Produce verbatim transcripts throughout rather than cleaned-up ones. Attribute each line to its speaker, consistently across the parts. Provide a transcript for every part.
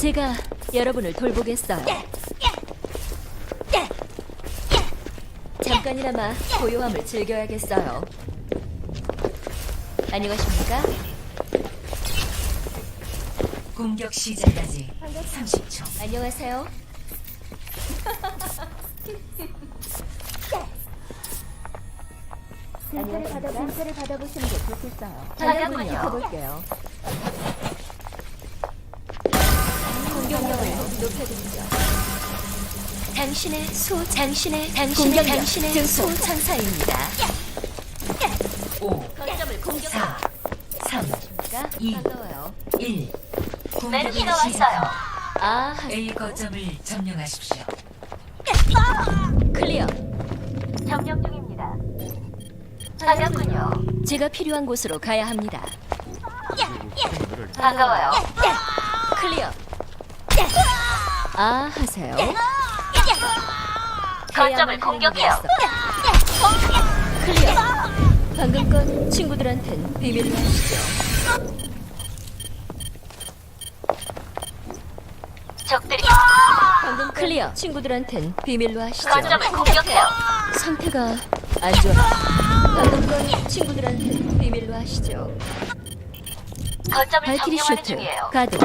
Speaker 1: 제가 여러분을 돌보겠어요. 잠깐이나마 고요함을 즐겨야겠어요. 안녕하십니까?
Speaker 2: 공격 시작까지 삼십 초.
Speaker 1: 안녕하세요. 진찰을 받아 진찰을 받아보시는 게 좋겠어요. 반갑군요. 해볼게요. 공격력을 높여드리죠. 당신의 소 당신의 당신의 당신의 소 천사입니다.
Speaker 2: 오,
Speaker 1: 거점을 공격해요.
Speaker 2: 사, 삼, 이,
Speaker 1: 반가워요.
Speaker 2: 일.
Speaker 1: 메르시가
Speaker 2: 공격이 시작.
Speaker 1: 아,
Speaker 2: A 거점을 점령하십시오.
Speaker 1: 클리어.
Speaker 3: 점령 중입니다. 반갑군요.
Speaker 1: 제가 필요한 곳으로 가야 합니다.
Speaker 3: 반가워요.
Speaker 1: 클리어. 아, 하세요.
Speaker 3: 거점을 공격해요.
Speaker 1: 클리어. 방금 건 친구들한텐 비밀로 하시죠.
Speaker 3: 적들이
Speaker 1: 방금 클리어. 친구들한텐 비밀로 하시죠.
Speaker 3: 거점을 공격해요.
Speaker 1: 상태가 안 좋아. 방금 건 친구들한텐 비밀로 하시죠.
Speaker 3: 거점을
Speaker 1: 발키리
Speaker 3: 점령하는
Speaker 1: 슈트
Speaker 3: 중이에요.
Speaker 1: 가동.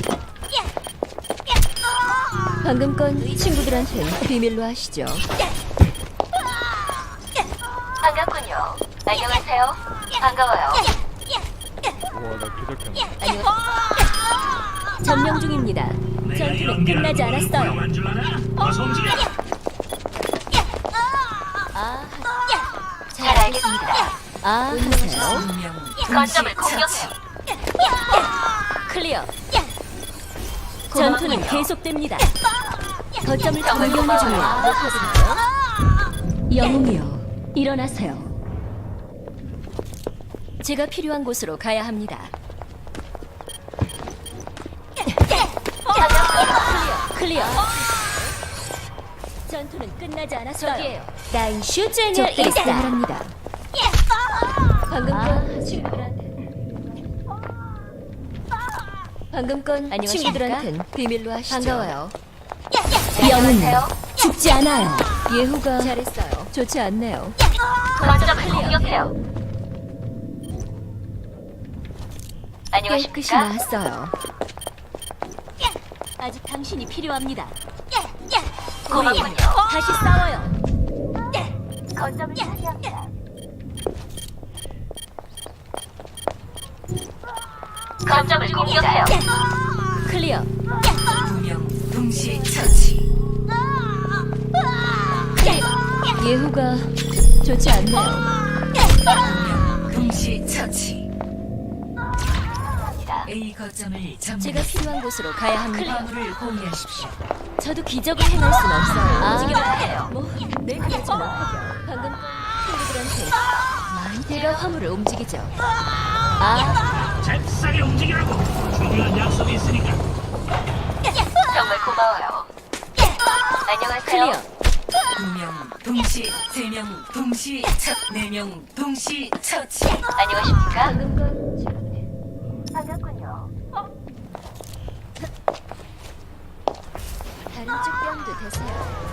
Speaker 1: 방금 건 친구들한텐 비밀로 하시죠.
Speaker 3: 반갑군요. 안녕하세요. 반가워요.
Speaker 4: 와나 기적했네.
Speaker 1: 안녕. 점령 중입니다. 전투는 끝나지 않았어요. 아,
Speaker 3: 잘 알겠습니다.
Speaker 1: 아, 하세요.
Speaker 2: 분명
Speaker 3: 거점을
Speaker 2: 동시
Speaker 3: 공격해요.
Speaker 2: 처치.
Speaker 1: 클리어. 전투는
Speaker 3: 고맙군요.
Speaker 1: 계속됩니다. 거점을
Speaker 3: 정말
Speaker 1: 점령
Speaker 3: 고마워요.
Speaker 1: 중이에요. 영웅이요, 일어나세요. 제가 필요한 곳으로 가야 합니다. 클리어. 전투는 끝나지 않았어요.
Speaker 3: 저기에요.
Speaker 1: 나인 슈제니어 일사합니다. 방금 건 친구들한테. 방금 건 친구들한텐 비밀로 하시죠. 반가워요. 영웅은 죽지 않아요. 예후가 잘했어요. 좋지 않네요.
Speaker 3: 거점을 공격해요.
Speaker 1: 깨끗이
Speaker 3: 안녕하십니까?
Speaker 1: 나았어요. 아직 당신이 필요합니다.
Speaker 3: 고맙군요.
Speaker 1: 다시 싸워요.
Speaker 3: 거점을 차지합니다. 거점을 공격해요.
Speaker 1: 클리어.
Speaker 2: 분명 동시 처치.
Speaker 1: 예후가 좋지 않네요.
Speaker 2: 분명 동시 처치. A 거점을
Speaker 1: 제가
Speaker 2: 점령.
Speaker 1: 필요한 곳으로 가야 합니다.
Speaker 2: 화물을 공유하십시오.
Speaker 1: 저도 기적을 행할 순 없어요.
Speaker 3: 움직여야 해요.
Speaker 1: 뭐, 내 그러지 못하죠. 방금 친구들한테 내가 화물을 움직이죠. 아,
Speaker 5: 잽싸게 움직이라고. 중요한 약속이 있으니까.
Speaker 3: 정말 고마워요. 안녕하세요.
Speaker 1: 클리어.
Speaker 2: 두 명 동시, 세 명 동시, 첫, 네 명 동시 처치.
Speaker 3: 안녕하십니까?
Speaker 1: 방금 건 친구들.
Speaker 3: 반갑군요.
Speaker 1: 다른 쪽 뺨도 되세요.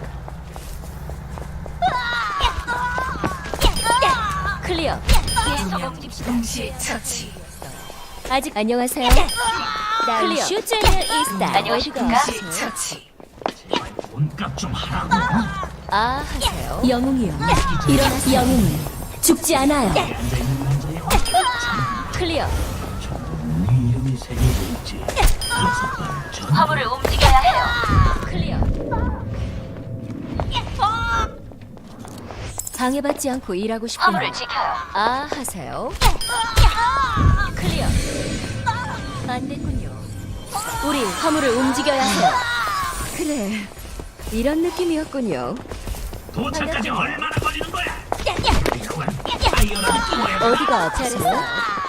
Speaker 1: 클리어.
Speaker 2: 두 명 동시 처치.
Speaker 1: 아직 안녕하세요. 클리어. 슈제니어 일사.
Speaker 3: 안녕하십니까?
Speaker 2: 동시 처치.
Speaker 5: 돈값 좀 하라고.
Speaker 1: 아, 하세요. 영웅이요, 일어나. 영웅은 죽지 않아요.
Speaker 5: 앉아있는 남자의
Speaker 1: 클리어.
Speaker 5: 네 이름이 새겨져 있지. 여섯 발 전.
Speaker 3: 화물을 움직여야 해요.
Speaker 1: 클리어. 방해받지 않고 일하고 싶군요.
Speaker 3: 화물을 지켜요.
Speaker 1: 아, 하세요. 클리어. 안 됐군요. 우리 화물을 움직여야 해요. 그래, 이런 느낌이었군요.
Speaker 5: 도착까지 얼마나 걸리는 거야? 이건 아이어라도 끼워야 돼.
Speaker 1: 어디가 아프세요?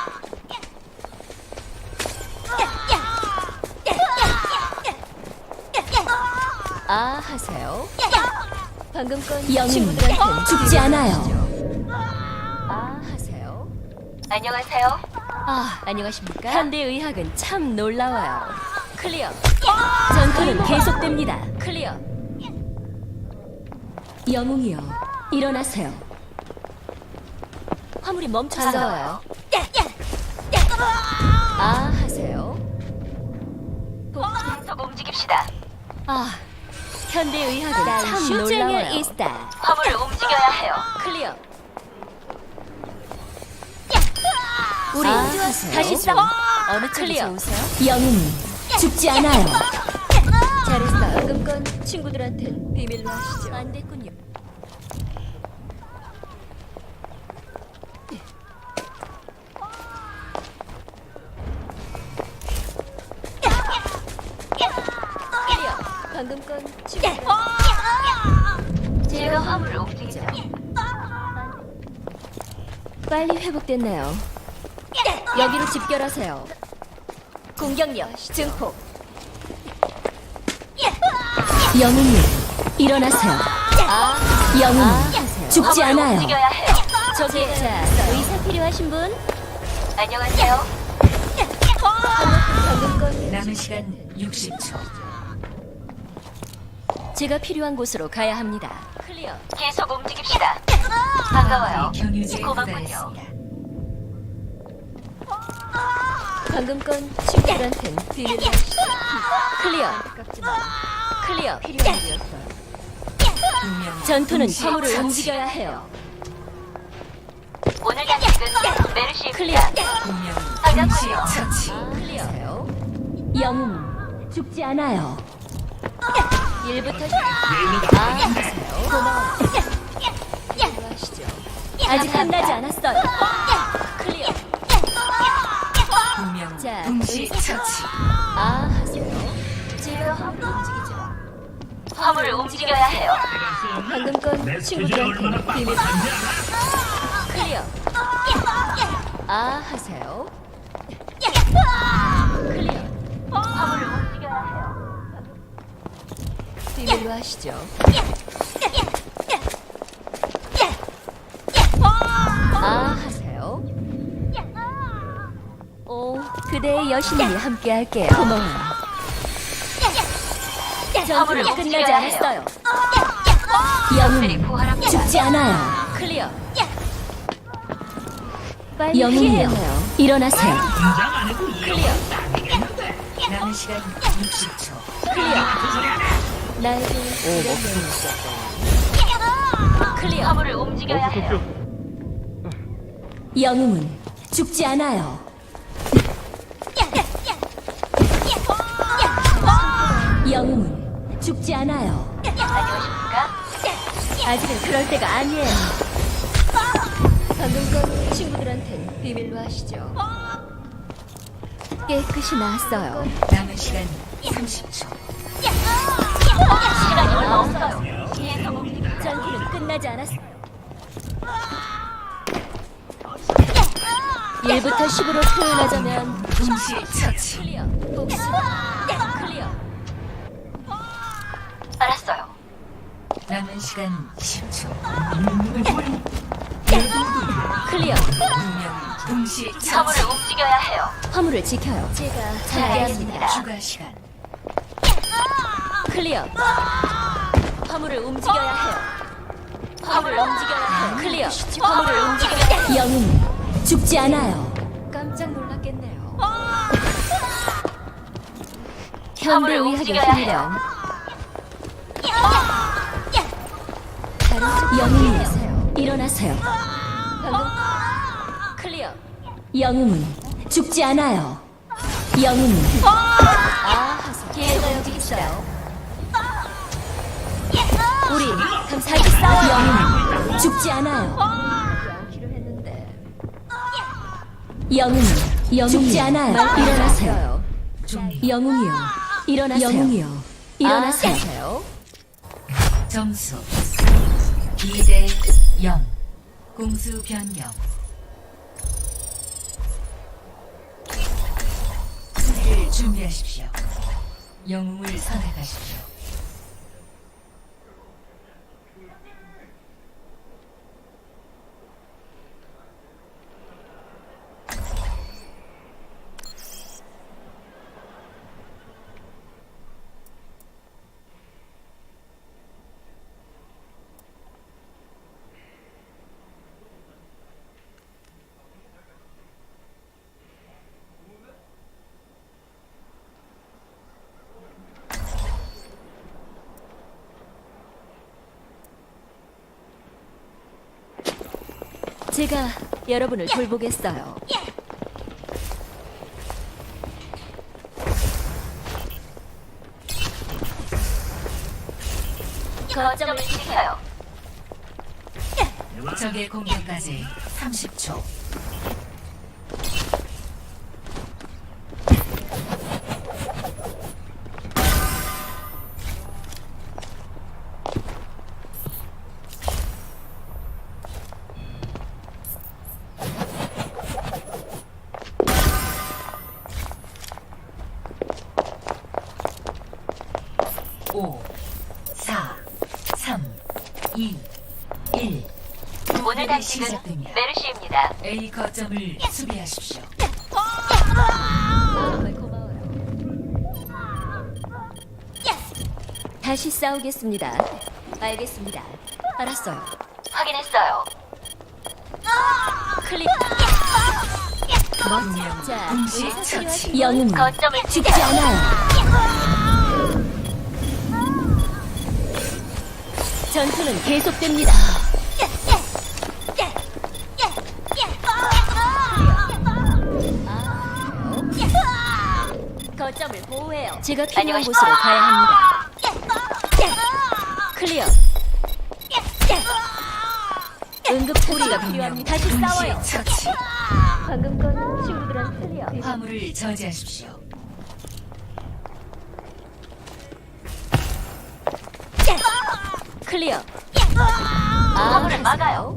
Speaker 1: 아, 하세요. 방금 건 영웅은 죽지 않아요. 아, 하세요.
Speaker 3: 안녕하세요.
Speaker 1: 아, 안녕하십니까? 현대 의학은 참 놀라워요. 클리어. 전투는 계속됩니다. 클리어. 영웅이여, 일어나세요. 화물이 멈췄어요. 아, 하세요.
Speaker 3: 계속 움직입시다.
Speaker 1: 아, 현대 의학은 참 놀라워요. 있다.
Speaker 3: 화물을 움직여야 해요.
Speaker 1: 클리어. 우리
Speaker 2: 아,
Speaker 1: 다시 싸워. 어느 클리어. 영웅 죽지 않아요. 잘했어. 방금 건 친구들한텐 비밀로 하시죠. 안 됐군요. 클리어. 방금 건 친구들.
Speaker 3: 제가 화물을 움직이죠.
Speaker 1: 빨리 회복됐나요? 여기로 집결하세요. 공격력 증폭. 영웅님 일어나세요.
Speaker 3: 아,
Speaker 1: 영웅
Speaker 3: 아,
Speaker 1: 죽지
Speaker 3: 화물을
Speaker 1: 않아요.
Speaker 3: 움직여야 해요.
Speaker 1: 저기 자 의사 필요하신 분?
Speaker 3: 안녕하세요.
Speaker 1: 방금 건
Speaker 2: 남은 시간 육십 초.
Speaker 1: 제가 필요한 곳으로 가야 합니다. 클리어.
Speaker 3: 계속 움직입시다. 반가워요.
Speaker 2: 경유지에
Speaker 3: 고맙군요.
Speaker 2: 도달했습니다.
Speaker 1: 방금 건 친구들한텐 비밀로 하시죠. 클리어. 클리어. 필요한 일이었어요.
Speaker 2: 두명
Speaker 1: 전투는 화물을 움직여야 해요.
Speaker 3: 오늘 단식은 메르시입니다.
Speaker 2: 두명
Speaker 3: 반갑군요.
Speaker 2: 동시 처치.
Speaker 1: 클리어요. 영웅 죽지 않아요. 일부터
Speaker 5: 얘네가
Speaker 1: 아, 하세요. 고마워요. 비밀로 하시죠. 아직 끝나지 않았어요. 클리어.
Speaker 2: 두명
Speaker 1: 자,
Speaker 2: 동시
Speaker 1: 의사
Speaker 2: 처치.
Speaker 1: 아, 하세요. 제가 화물 움직이죠.
Speaker 3: 화물을 움직여야 해요.
Speaker 1: 방금 건
Speaker 5: 메시지가 얼마나
Speaker 1: 친구들한테 비밀.
Speaker 5: 빡빡한지 알아?
Speaker 1: 클리어. 아, 하세요. 클리어.
Speaker 3: 화물을 움직여야 해요.
Speaker 1: 비밀로 하시죠. 아, 하세요. 오, 그대의 여신님이 함께 할게요. 고마워요. 전투는 끝나지
Speaker 3: 움직여야 해요.
Speaker 1: 않았어요.
Speaker 3: 녀석들이
Speaker 1: 영웅
Speaker 3: 부활합니다.
Speaker 1: 죽지 않아요. 클리어. 빨리 영웅이요. 일어나세요.
Speaker 5: 긴장 안 해도 이
Speaker 1: 클리어.
Speaker 5: 딱이겠는데.
Speaker 2: 남은 시간 육십 초.
Speaker 1: 클리어.
Speaker 5: 그 소리 안 해.
Speaker 1: 나에게 이런 명이 클리어.
Speaker 3: 화물을 움직여야 해요.
Speaker 1: 영웅은 죽지 않아요. 영웅은 죽지 않아요.
Speaker 3: 안녕하십니까?
Speaker 1: 아직은 그럴 때가 아니에요. 방금 건 친구들한텐 비밀로 하시죠. 깨끗이 나았어요.
Speaker 2: 남은 시간 삼십 초.
Speaker 3: 시간이 얼마 없어요. 계속 움직입시다.
Speaker 1: 전투는 끝나지 않았어요. 일부터 십으로 표현하자면
Speaker 2: 동시 처치.
Speaker 1: 클리어, 복수, 클리어.
Speaker 3: 알았어요.
Speaker 2: 남은 시간 십 초.
Speaker 1: 클리어.
Speaker 2: 두명 동시 처치.
Speaker 3: 화물을 움직여야 해요.
Speaker 1: 화물을 지켜요. 제가 잘하겠습니다.
Speaker 2: 추가 시간.
Speaker 1: 클리어. 화물을 움직여야 해요. 화물을 움직여야 해요. 클리어. 화물을 움직여야 해요. 영웅 죽지 않아요. 깜짝 놀랐겠네요. 현대
Speaker 3: 화물을
Speaker 1: 의학의
Speaker 3: 움직여야
Speaker 1: 힘이란 다른 쪽 영웅이세요. 일어나세요. 방금 클리어. 영웅은 죽지 않아요. 영웅은 아, 기회가 여기 있어요. 우리 감사히 싸워. 영웅은 죽지 않아요. 영웅은 영웅 죽지 않아요. 일어나세요. 영웅이요. 일어나세요. 영웅이요. 일어나세요.
Speaker 2: 점수 이 대 영. 공수 변경. 수비를 준비하십시오. 영웅을 선택하십시오.
Speaker 1: 제가 여러분을 돌보겠어요.
Speaker 3: 거점을 지켜요.
Speaker 2: 적의 공격까지 삼십 초. 오, 사, 삼, 이, 일.
Speaker 3: 오늘 당직은
Speaker 2: 시작됩니다.
Speaker 3: 메르시입니다.
Speaker 2: A 거점을 수비하십시오.
Speaker 1: 정말 고마워요. 다시 싸우겠습니다. 알겠습니다. 알았어요.
Speaker 3: 확인했어요.
Speaker 1: 클릭.
Speaker 2: 분명
Speaker 1: 자,
Speaker 2: 동시
Speaker 1: 의사
Speaker 2: 처치.
Speaker 1: 필요하신 영웅
Speaker 3: 거점을
Speaker 1: 죽지
Speaker 3: 지켜요.
Speaker 1: 않아요. 전투는 계속됩니다. 거점을 보호해요. 제가 필요한
Speaker 3: 안녕하십니까?
Speaker 1: 곳으로 가야 합니다. 클리어. 응급 처리가 필요합니다. 다시 싸워요.
Speaker 2: 동시 처치.
Speaker 1: 방금 건 친구들한테 클리어.
Speaker 2: 화물을 저지하십시오.
Speaker 1: 클리어.
Speaker 3: 화물을
Speaker 1: 하세요.
Speaker 3: 막아요.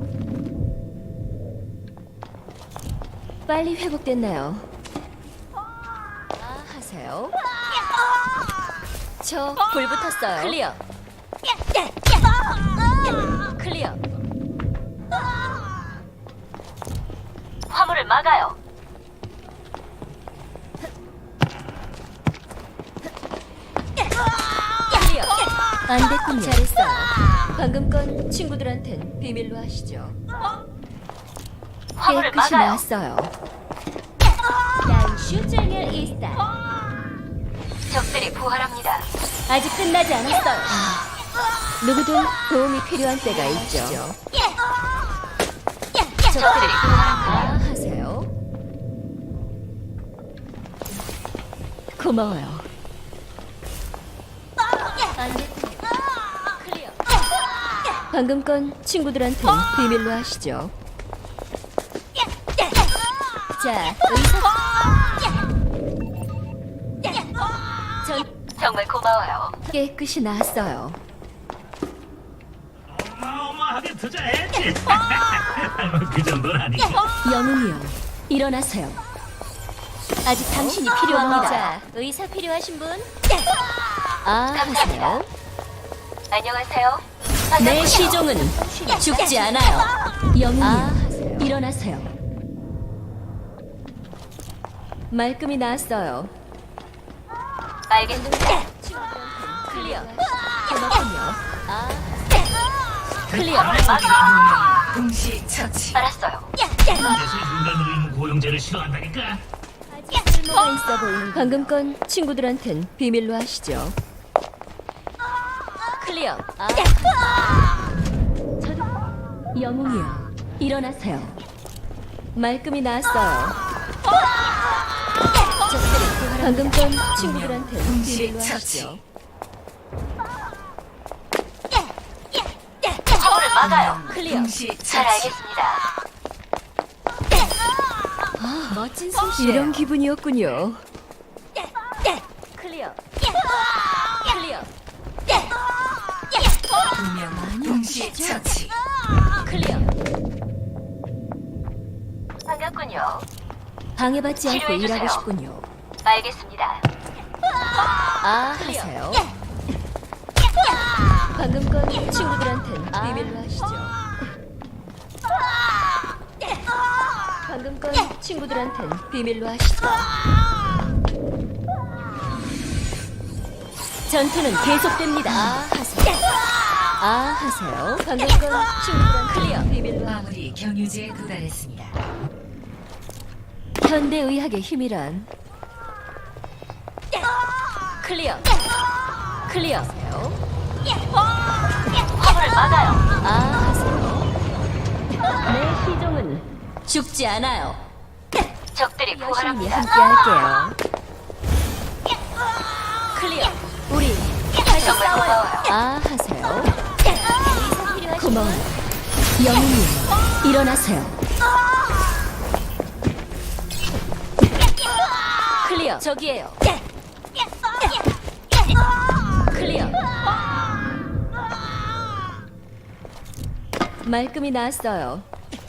Speaker 1: 빨리 회복됐나요? 아, 하세요. 저 불 붙었어요. 클리어. 클리어.
Speaker 3: 화물을 막아요.
Speaker 1: 클리어. 안 됐군요. 잘했어요. 방금 건 친구들한텐 비밀로 하시죠.
Speaker 3: 화물을
Speaker 1: 깨끗이
Speaker 3: 막아요.
Speaker 1: 나왔어요. 난 슈쟁일 이스타.
Speaker 3: 적들이 부활합니다.
Speaker 1: 아직 끝나지 않았어요. 누구든 도움이 필요한 때가 있죠.
Speaker 3: 적들이 부활합니다.
Speaker 1: 아, 하세요. 고마워요. 안 됐군요. 클리어. 방금 건 친구들한테 비밀로 하시죠. 자, 의사. 전
Speaker 3: 정말 고마워요.
Speaker 1: 깨끗이 나았어요.
Speaker 5: 어마어마하게 투자했지. 그 정도는 아니고.
Speaker 1: 영웅이요, 일어나세요. 아직 당신이 필요합니다. 자, 의사 필요하신 분? 아, 하세요.
Speaker 3: 안녕하세요.
Speaker 1: 내
Speaker 3: 반갑군요.
Speaker 1: 시종은 죽지 않아요. 영웅이요,
Speaker 3: 아,
Speaker 1: 일어나세요. 말끔히 나았어요.
Speaker 3: 알겠습니다.
Speaker 1: 클리어. 고맙군요. 아, 클리어.
Speaker 2: 분명 동시 처치.
Speaker 3: 알았어요.
Speaker 5: 대신 인간으로 있는 고용제를 싫어한다니까.
Speaker 1: 아직 쓸모가 있어 보이는. 방금 건 친구들한텐 비밀로 하시죠. 클리어. 아. 저도 영웅이요, 일어나세요. 말끔히 나았어요. 방금 건 친구들한테
Speaker 2: 동시
Speaker 1: 비밀로
Speaker 2: 처치.
Speaker 1: 하시죠.
Speaker 3: 화물을 막아요.
Speaker 1: 클리어.
Speaker 2: 동시
Speaker 3: 잘
Speaker 2: 처치.
Speaker 3: 알겠습니다.
Speaker 1: 아, 멋진 솜씨. 이런 기분이었군요. 클리어. 클리어.
Speaker 2: 분명 동시 처치.
Speaker 1: 클리어.
Speaker 3: 반갑군요.
Speaker 1: 방해받지 않고
Speaker 3: 치료해주세요.
Speaker 1: 일하고 싶군요.
Speaker 3: 알겠습니다.
Speaker 1: 아, 하세요. 방금 건 친구들한텐 비밀로 하시죠. 방금 건 친구들한텐 비밀로 하시죠. 전투는 계속됩니다. 아, 하세요. 아, 하세요. 방금 건 친구들한 클리어. 비밀로 하.
Speaker 2: 화물이 경유지에 도달했습니다.
Speaker 1: 현대의학의 힘이란. 클리어. 클리어.
Speaker 3: 화물을 막아요.
Speaker 1: 아, 하세요. 내 시종은 죽지 않아요.
Speaker 3: 적들이
Speaker 1: 열심히
Speaker 3: 부활합니다.
Speaker 1: 함께 할게요. 클리어. 우리 다시
Speaker 3: 정말
Speaker 1: 싸워요.
Speaker 3: 고마워요.
Speaker 1: 아 하세요. 고마워요. 영웅님 일어나세요. 클리어. 저기에요. 클리어. 말끔히 나왔어요.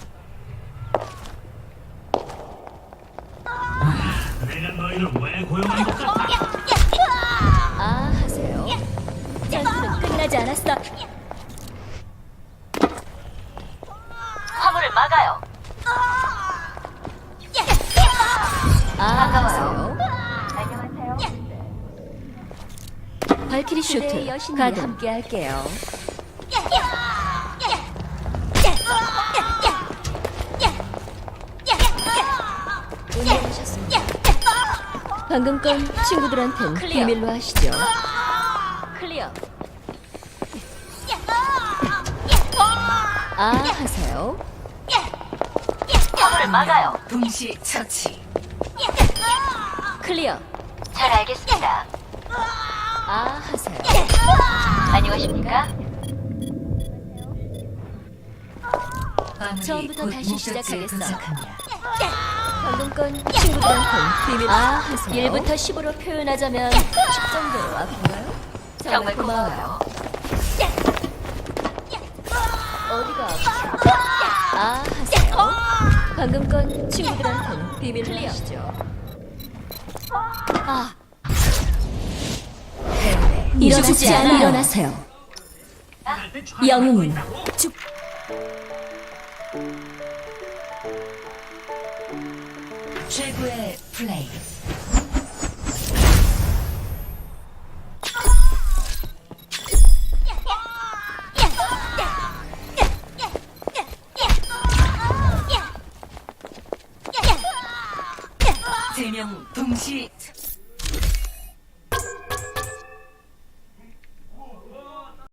Speaker 5: 내가 너희를 왜 고용한 것 같아?
Speaker 1: 아 하세요. 전투는 끝나지 않았어.
Speaker 3: 화물을 막아요.
Speaker 1: 아 하세요.
Speaker 3: 안녕하세요.
Speaker 1: 발키리 슈트 가든 함께 할게요. 운동하셨습니다. 방금 건 친구들한텐 비밀로 하시죠. 클리어. 아 하세요.
Speaker 3: 화물을 막아요.
Speaker 2: 동시 처치.
Speaker 1: 클리어.
Speaker 3: 잘 알겠습니다.
Speaker 1: 아 하세요.
Speaker 3: 안녕하십니까?
Speaker 2: 화물이
Speaker 1: 처음부터
Speaker 2: 곧
Speaker 1: 다시
Speaker 2: 목적지에
Speaker 1: 시작하겠어.
Speaker 2: 도착합니다.
Speaker 1: 방금 건 친구들한텐 비밀로. 아 하세요. 일부터 십으로 표현하자면 십 정도로 아픈가요?
Speaker 3: 정말 고마워요.
Speaker 1: 어디가 아프세요? 아 하세요. 방금 건 친구들한텐 비밀로 하시죠. 아 일어나지 않아. 일어나세요. 영웅은 죽.
Speaker 2: 최고의 플레이. 세 명 동시